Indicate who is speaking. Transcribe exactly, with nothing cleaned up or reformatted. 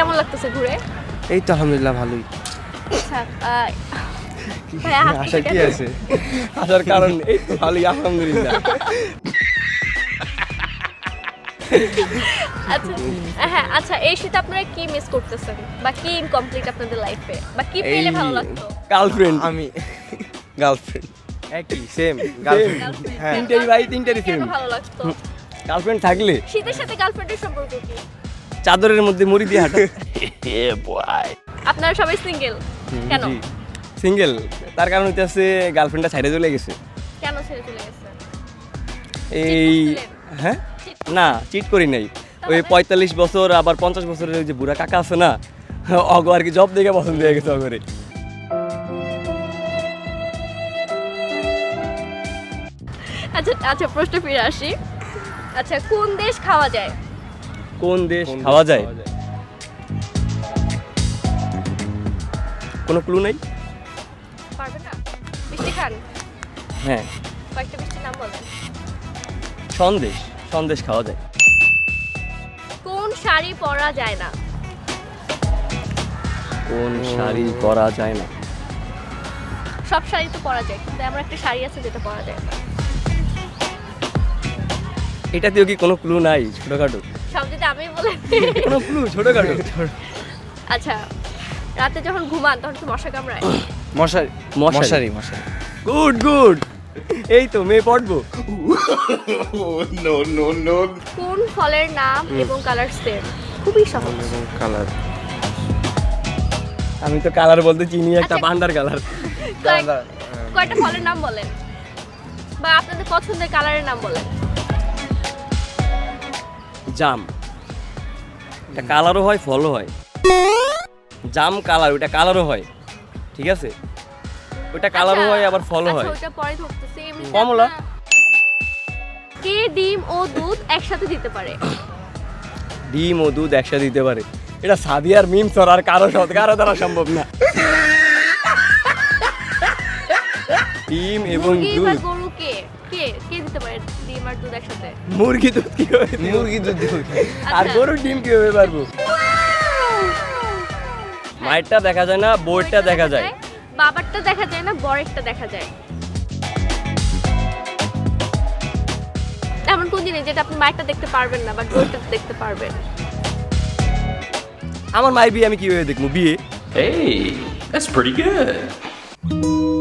Speaker 1: কেমন লাগতেছে ঘুরে?
Speaker 2: এই তো আলহামদুলিল্লাহ ভালোই।
Speaker 1: আচ্ছা ভাইয়া
Speaker 2: আশা কি আছে? আসার কারণ এই তো ভালোই আলহামদুলিল্লাহ।
Speaker 1: আচ্ছা হ্যাঁ আচ্ছা এই শীতে আপনারা কি মিস করতেছেন বা কি ইনকমপ্লিট আপনাদের লাইফে বা কি পেলে ভালো লাগতো?
Speaker 2: গার্লফ্রেন্ড।
Speaker 3: আমি
Speaker 2: গার্লফ্রেন্ড
Speaker 3: একই সেম গার্লফ্রেন্ড। হ্যাঁ
Speaker 2: তিনটাই ভাই তিনটারই
Speaker 1: কেন
Speaker 2: সেম।
Speaker 1: ভালো লাগতো?
Speaker 2: গার্লফ্রেন্ড থাকলে
Speaker 1: শীতের সাথে গার্লফ্রেন্ডের সম্পর্ক কি?
Speaker 2: চাদরের মধ্যে মুড়ি দিয়ে হাঁটা।
Speaker 1: আপনারা সবাই সিঙ্গেল কেন?
Speaker 2: জি সিঙ্গেল, তার কারণ হইতেছে গার্লফ্রেন্ডটা ছাইড়ে চলে গেছে।
Speaker 1: কেন ছেড়ে চলে গেছে?
Speaker 2: এই
Speaker 1: করছিলেন?
Speaker 2: হ্যাঁ না চিট করি নাই, ওই পঁয়তাল্লিশ বছর আবার পঞ্চাশ বছরের ওই যে বুড়া কাকা আছে না, অগ আর কি জব দেখে পছন্দ হয়ে গেছে অগরে।
Speaker 1: আচ্ছা আচ্ছা প্রশ্ন ফিরে আসি। আচ্ছা কোন দেশ খাওয়া যায়?
Speaker 2: কোন দেশ খাওয়া যায়? কোনো ক্লু নাই?
Speaker 1: পারবে না? মিষ্টি খান?
Speaker 2: হ্যাঁ
Speaker 1: কয়েকটা মিষ্টির নাম বলেন।
Speaker 2: সন্দেশ, সন্দেশ খাওয়া যায়।
Speaker 1: কোন শাড়ি পরা যায় না?
Speaker 2: কোন শাড়ি পরা যায় না?
Speaker 1: সব শাড়ি তো পরা যায় কিন্তু আমার একটা শাড়ি আছে যেটা পরা যায় না।
Speaker 2: এটাতেও কি কোনো ক্লু নাই ছোটখাটো?
Speaker 1: সব যদি আমি বলে
Speaker 2: কোনো ক্লু ছোটখাটো?
Speaker 1: আচ্ছা রাতে যখন ঘুমান তখন কি মশা কামড়ায়?
Speaker 3: মশারি
Speaker 2: মশারি।
Speaker 3: মশারি মশারি
Speaker 2: গুড গুড, এই তো মেয়ে পড়বো।
Speaker 1: কোন ফলের নাম এবং কালার সেম? খুবই সহজ।
Speaker 3: কালার
Speaker 2: আমি তো কালার বলতে চিনি একটা
Speaker 1: আচ্ছা।
Speaker 2: পান্ডার কালার।
Speaker 1: কয়েক- কয়টা ফলের নাম বলেন বা আপনাদের পছন্দের কালারের নাম বলেন।
Speaker 2: জাম, এটা কালারও হয় ফলও হয়। জাম কালার, ওটা কালারও হয়, ঠিক আছে? ওটা কালারও
Speaker 1: আচ্ছা,
Speaker 2: হয় আবার ফলও হয়।
Speaker 1: আচ্ছা ওটা পরে ধরতেছি। এমনিতে
Speaker 2: কমলা।
Speaker 1: আপনারা- কে ডিম ও দুধ একসাথে দিতে পারে?
Speaker 2: ডিম ও দুধ একসাথে দিতে পারে? এটা সাদিয়ার মিম সর, আর কারো সাথে কারো দ্বারা সম্ভব না। ডিম এবং
Speaker 1: মুরগি বা
Speaker 2: দুধ।
Speaker 1: গরু কে কে কে দিতে পারে ডিম আর দুধ একসাথে?
Speaker 2: মুরগি দুধ কিভাবে দিব?
Speaker 3: মুরগি দুধ দিব।
Speaker 2: আর
Speaker 1: আচ্ছা।
Speaker 2: গরুর ডিম কিভাবে পারবো? মায়েরটা দেখা যায় না, বোর্ডটা দেখা যায়।
Speaker 1: বাবারটা দেখা যায় না, বরেরটা দেখা যায়। এমন কোন জিনিস যেটা আপনি মায়েরটা দেখতে পারবেন না বাট বউরটা দেখতে পারবেন?
Speaker 2: আমার মায়ের বিয়ে আমি কিভাবে দেখবো? বিয়ে
Speaker 4: Hey, that's pretty good.